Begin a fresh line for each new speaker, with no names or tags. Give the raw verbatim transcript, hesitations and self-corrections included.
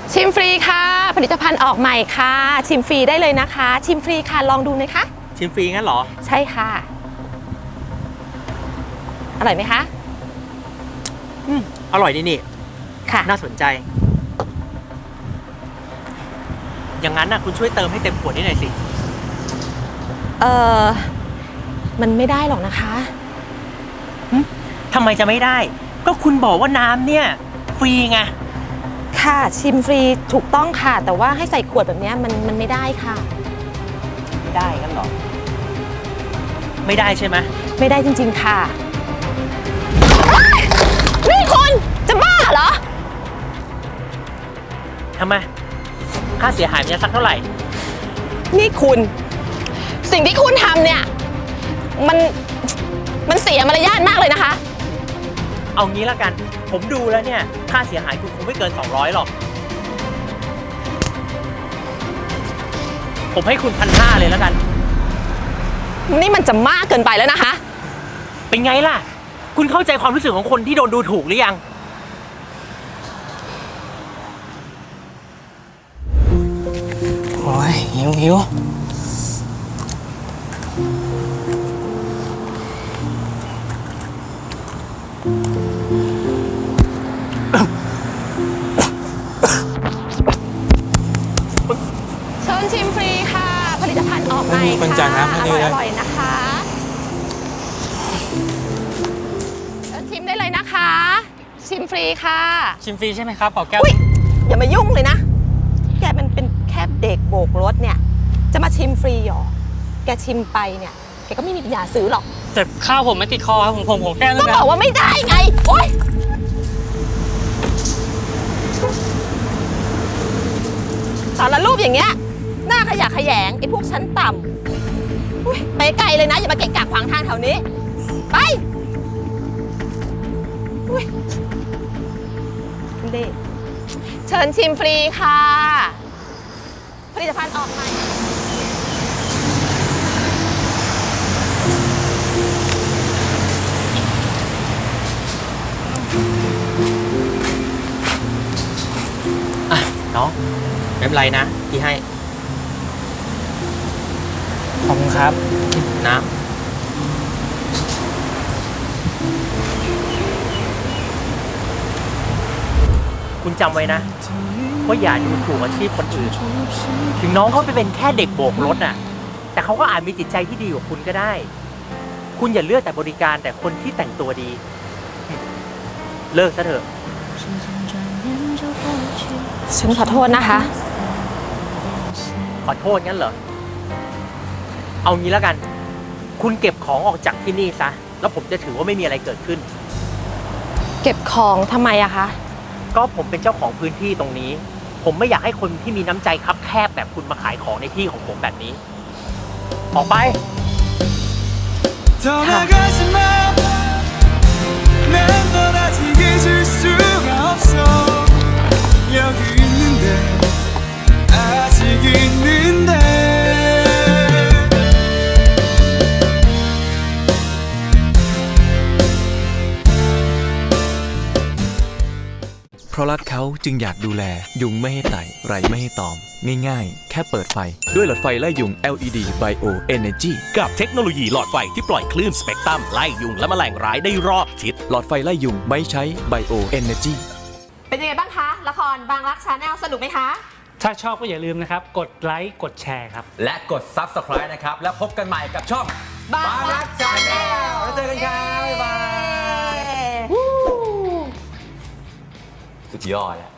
ชิมฟรีค่ะผลิตภัณฑ์ออกใหม่ค่ะชิมฟรีได้เลยนะคะชิมฟรีค่ะลองดูไหมคะ
ชิมฟรีงั้นเหรอ
ใช่ค่ะอร่อยไหมคะ
อืมอร่อยดีนี่
ค่ะ
น่าสนใจอย่างนั้นนะคุณช่วยเติมให้เต็มขวดนิดหน่อยสิ
เออมันไม่ได้หรอกนะคะ
ทำไมจะไม่ได้ก็คุณบอกว่าน้ำเนี่ยฟรีไง
ค่ะชิมฟรีถูกต้องค่ะแต่ว่าให้ใส่ขวดแบบนี้มันมันไม่ได้ค่ะ
ไม่ได้กันหรอไม่ได้ใช่ไหม
ไม่ได้จริงๆค่ะนี่คุณจะบ้าเหรอ
ทำไมค่าเสียหายมันจะสักเท่าไหร่
นี่คุณสิ่งที่คุณทำเนี่ยมันมันเสียมารยาทมากเลยนะคะ
เอางี้ละกันผมดูแล้วเนี่ยค่าเสียหายคุณคงไม่เกินสองร้อยหรอกผมให้คุณพันห้าเลยแล้วกัน
นี่มันจะมากเกินไปแล้วนะคะ
เป็นไงล่ะคุณเข้าใจความรู้สึกของคนที่โดนดูถูกหรือยังโอ้ยหิวหิว
เชิญชิมฟรีค่ะผลิตภัณฑ์ออกใหม่ค่ะอร่อยอร่อยนะคะเชิญชิมได้เลยนะคะชิมฟรีค่ะ
ชิมฟรีใช่ไหมครับขอแก้ว
อย่ามายุ่งเลยนะแกมันเป็นแค่เด็กโบกรถเนี่ยจะมาชิมฟรีหรอแกชิมไปเนี่ยแกก็ไม่มีปัญญาซื้อหรอก
แต่ข้าวผมไม่ติดคอครับผมผมผมแก้
ก็บอกว่าไม่ได้ไงโอ๊ยสารรูปอย่างเงี้ยหน้าขยะแขยงไอ้พวกชั้นต่ำไปไกลเลยนะอย่ามาเกะกะขวางทางแถวนี้ไปเด็กเชิญชิมฟรีค่ะผลิตภัณฑ์ออกใหม่
อ่ะน้องไม่เป็นไรนะที่ให้ขอบคุณครับน้ำคุณจำไว้นะว่าอย่าดูถูกอาชีพคนอื่นถึงน้องเขาไปเป็นแค่เด็กโบกรถน่ะแต่เขาก็อาจมีจิตใจที่ดีกว่าคุณก็ได้คุณอย่าเลือกแต่บริการแต่คนที่แต่งตัวดีเลิกซะเถอะ
ฉันขอโทษนะคะ
ขอโทษงั้นเหรอเอางี้แล้วกันคุณเก็บของออกจากที่นี่ซะแล้วผมจะถือว่าไม่มีอะไรเกิดขึ้น
เก็บของทำไมอะคะ
ก็ผมเป็นเจ้าของพื้นที่ตรงนี้ผมไม่อยากให้คนที่มีน้ำใจคับแคบแบบคุณมาขายของในที่ของผมแบบนี้ออกไป
เพราะรักเขาจึงอยากดูแลยุงไม่ให้ไต่ไรไม่ให้ตอมง่ายๆแค่เปิดไฟด้วยหลอดไฟไล่ยุง แอล อี ดี Bio Energy
กับเทคโนโลยีหลอดไฟที่ปล่อยคลื่นสเปกตรัมไล่ยุงและแมลงร้ายได้รอบทิศ
หลอดไฟไล่ยุงไม่ใช้ Bio Energy
เป็นยังไงบ้างคะละครบางรักชาแนลสนุกไหมคะ
ถ้าชอบก็อย่าลืมนะครับกดไลค์กดแชร์ครับ
และกด ซับสไครบ์ นะครับแล้วพบกันใหม่กับช่อง
บางรักชาแนล
แล้วเจอกันครับบ๊ายบายสุดยอดแล้ว